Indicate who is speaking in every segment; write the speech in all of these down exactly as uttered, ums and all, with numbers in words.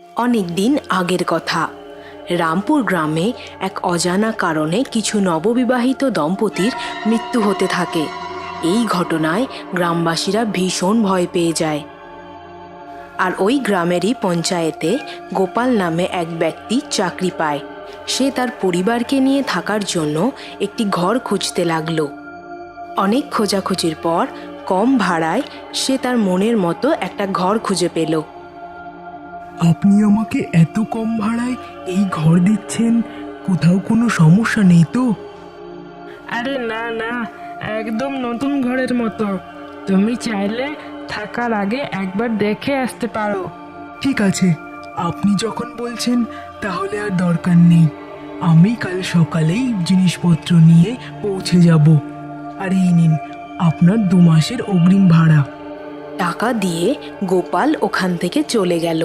Speaker 1: অনেক দিন আগের কথা। রামপুর গ্রামে এক অজানা কারণে কিছু নববিবাহিত দম্পতির মৃত্যু হতে থাকে। এই ঘটনায় গ্রামবাসীরা ভীষণ ভয় পেয়ে যায়। আর ওই গ্রামেরই পঞ্চায়েতে গোপাল নামে এক ব্যক্তি চাকরি পায়। সে তার পরিবারকে নিয়ে থাকার জন্য একটি ঘর খুঁজতে লাগলো। অনেক খোঁজাখুঁজির পর কম ভাড়ায় সে তার মনের মতো একটা ঘর খুঁজে পেল।
Speaker 2: আপনি আমাকে এত কম ভাড়ায় এই ঘর দিচ্ছেন, কোথাও কোনো সমস্যা নেই তো?
Speaker 3: আরে না না, একদম নতুন ঘরের মতো। তুমি চাইলে থাকার আগে একবার দেখে আসতে পারো।
Speaker 2: ঠিক আছে, আপনি যখন বলছেন তাহলে আর দরকার নেই। আমি কাল সকালেই জিনিসপত্র নিয়ে পৌঁছে যাব। আর এই নিন আপনার দু মাসের অগ্রিম ভাড়া।
Speaker 1: টাকা দিয়ে গোপাল ওখান থেকে চলে গেল।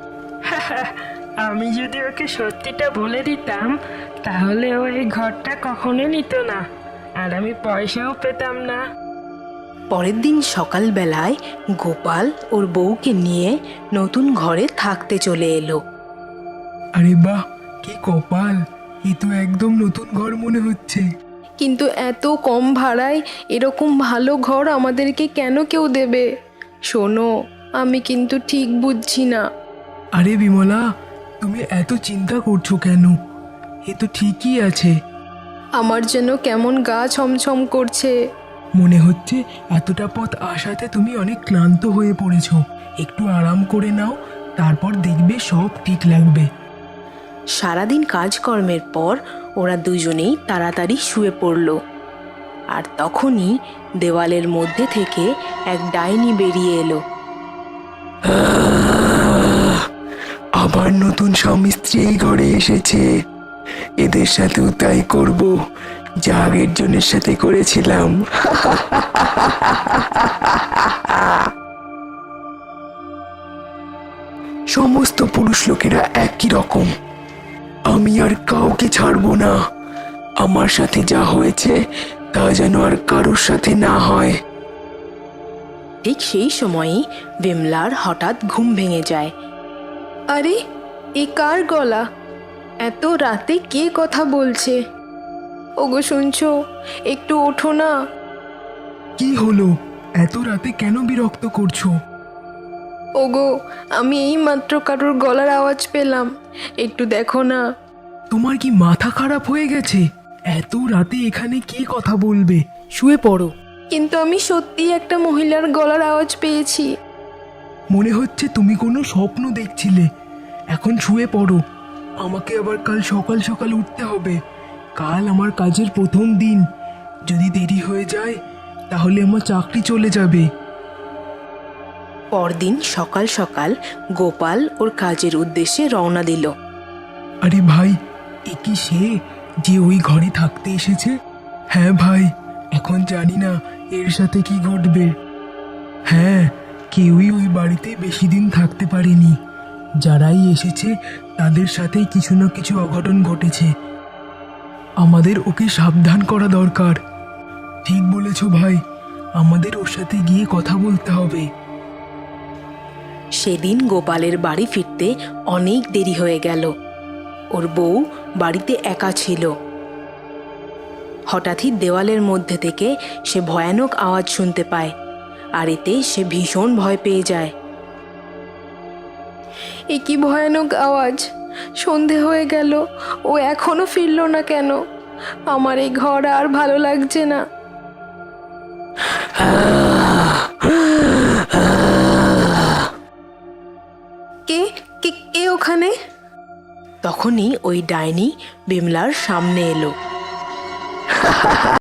Speaker 3: আমি যদি ওকে সত্যিটা বলে দিতাম তাহলে ও এই ঘরটা কখনোই নিত না, আর আমি পয়সাও পেতাম না।
Speaker 1: পরের দিন সকালবেলায় গোপাল ওর বউকে নিয়ে নতুন ঘরে থাকতে চলে এলো।
Speaker 2: আরে বাহ, কি কপাল! এ তো একদম নতুন ঘর মনে হচ্ছে।
Speaker 1: কিন্তু এত কম ভাড়ায় এরকম ভালো ঘর আমাদেরকে কেন কেউ দেবে? শোনো, আমি কিন্তু ঠিক বুঝছি না।
Speaker 2: আরে বিমলা, তুমি এত চিন্তা করছো কেন? এ তো ঠিকই আছে।
Speaker 1: আমার যেন কেমন গা ছমছম করছে।
Speaker 2: মনে হচ্ছে এতটা পথ আসাতে তুমি অনেক ক্লান্ত হয়ে পড়েছো। একটু আরাম করে নাও, তারপর দেখবে সব ঠিক লাগবে।
Speaker 1: সারাদিন কাজকর্মের পর ওরা দুজনেই তাড়াতাড়ি শুয়ে পড়ল। আর তখনই দেওয়ালের মধ্যে থেকে এক ডাইনি বেরিয়ে এলো।
Speaker 2: আবার নতুন স্বামী স্ত্রী এই ঘরে এসেছে। এদের সাথেও তাই করব যা আগের জনের সাথে করেছিলাম। সমস্ত পুরুষ লোকেরা একই রকম। আমি আর কাউকে ছাড়বো না। আমার সাথে যা হয়েছে তা যেন আর কারোর সাথে না হয়।
Speaker 1: ঠিক সেই সময়ই বিমলার হঠাৎ ঘুম ভেঙে যায়। আরে, এ কার গলা? এত রাতে কে কথা বলছে? ওগো, শুনছো? একটু ওঠো না।
Speaker 2: কি হলো? এত রাতে কেন বিরক্ত করছো?
Speaker 1: ওগো, আমি এই মাত্র কারোর গলার আওয়াজ পেলাম, একটু দেখো না।
Speaker 2: তোমার কি মাথা খারাপ হয়ে গেছে? এত রাতে এখানে কে কথা বলবে? শুয়ে পড়ো।
Speaker 1: কিন্তু আমি সত্যিই একটা মহিলার গলার আওয়াজ পেয়েছি।
Speaker 2: মনে হচ্ছে তুমি কোনো স্বপ্ন দেখছিলে। এখন শুয়ে পড়ো। আমাকে আবার কাল সকাল সকাল উঠতে হবে। কাল আমার কাজের প্রথম দিন। যদি দেরি হয়ে যায় তাহলে আমার চাকরি চলে যাবে।
Speaker 1: পরদিন সকাল সকাল গোপাল ওর কাজের উদ্দেশ্যে রওনা দিল।
Speaker 2: আরে ভাই, এ কি সে যে ওই ঘরে থাকতে এসেছে? হ্যাঁ ভাই, এখন জানি না এর সাথে কি ঘটবে। হ্যাঁ, কেউই ওই বাড়িতে বেশি দিন থাকতে পারেনি। যারাই এসেছে তাদের সাথে কিছু না কিছু অঘটন ঘটেছে। আমাদের ওকে সাবধান করা দরকার। ঠিক বলেছ ভাই, আমাদের ওর সাথে গিয়ে কথা বলতে হবে।
Speaker 1: সেদিন গোপালের বাড়ি ফিরতে অনেক দেরি হয়ে গেল। ওর বউ বাড়িতে একা ছিল। হঠাৎই দেওয়ালের মধ্যে থেকে সে ভয়ানক আওয়াজ শুনতে পায়, আর এতে সে ভীষণ ভয় পেয়ে যায়। এ কি ভয়ানক আওয়াজ! সন্ধে হয়ে গেল, ও এখনো ফিরল না কেন? আমার এই ঘর আর ভালো লাগছে না। কে কে কে ওখানে? তখনই ওই ডাইনি বিমলার সামনে এলো।